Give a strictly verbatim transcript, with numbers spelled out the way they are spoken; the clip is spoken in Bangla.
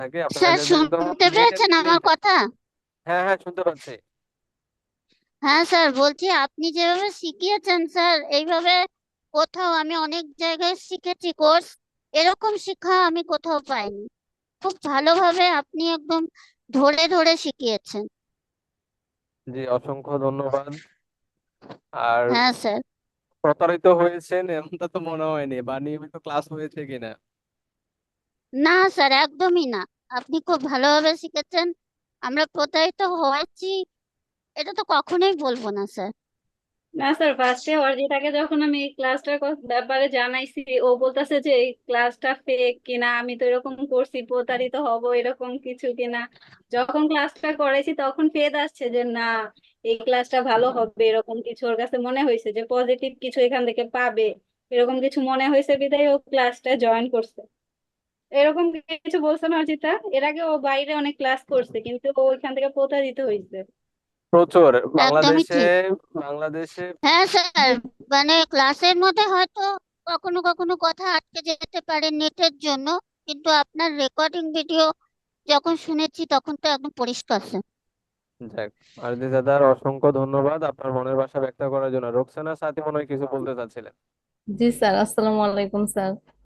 থাকে আপনার স্যার কাছে যে একদম শুনতে নিট পেরেছেন এন্ড ক্লিন আমার থাকে। কথা? হ্যাঁ হ্যাঁ, শুনতে পাচ্ছি। হ্যাঁ স্যার, বলছি আপনি যেভাবে শিখিয়েছেন স্যার, এইভাবে কোথাও আমি অনেক জায়গায় শিখেছি কোর্স, এরকম শিক্ষা আমি কোথাও পাইনি। খুব ভালোভাবে আপনি একদম ধরে ধরে শিখিয়েছেন। জি, অসংখ্য ধন্যবাদ। আর হ্যাঁ স্যার। প্রতারিত হয়েছেন এমনটা তো মনে হয়নি, বা নিয়মিত ক্লাস হয়েছে কিনা? না স্যার, একদমই না। আপনি খুব ভালোভাবে শিখেছেন। আমরা প্রতারিত হয়েছি এটা তো কখনোই বলবো না স্যার। না স্যার, ফার্স্টে অর্জিতাকে যখন আমি এই ক্লাসটার কথা- ব্যাপারে জানাইছি, ও বলতেছে যে এই ক্লাসটা ফেক কিনা, আমি তো এরকম করছি প্রতারিত হব এরকম কিছু কিনা। যখন ক্লাসটা করাইছি তখন ফেদ আসছে যে না, এই ক্লাসটা ভালো হবে, এরকম কিছু ওর কাছে মনে হয়েছে যে পজিটিভ কিছু এখান থেকে পাবে, এরকম কিছু মনে হয়েছে বিধায় ও ক্লাসটা জয়েন করছে। এরকম কিছু বলছে না অর্জিতা? এর আগে ও বাইরে অনেক ক্লাস করছে কিন্তু ও ওইখান থেকে প্রতারিত হয়েছে। প্রচুর। একদমই বাংলাদেশে ঠিক। বাংলাদেশে হ্যাঁ স্যার, মানে ক্লাসের মধ্যে হয়তো কখনো কখনো কথা আটকে যেতে পারে নেটের জন্য, কিন্তু আপনার রেকর্ডিং ভিডিও যখন শুনেছি তখন তো একদম পরিষ্কার স্যার। যাক, আরতি দাদার অসংখ্য ধন্যবাদ আপনার মনের ভাষা ব্যক্ত করার জন্য। রোকসানা সাথী মনে হয় কিছু বলতে চাচ্ছিলেন। জি স্যার, আসসালামু আলাইকুম স্যার।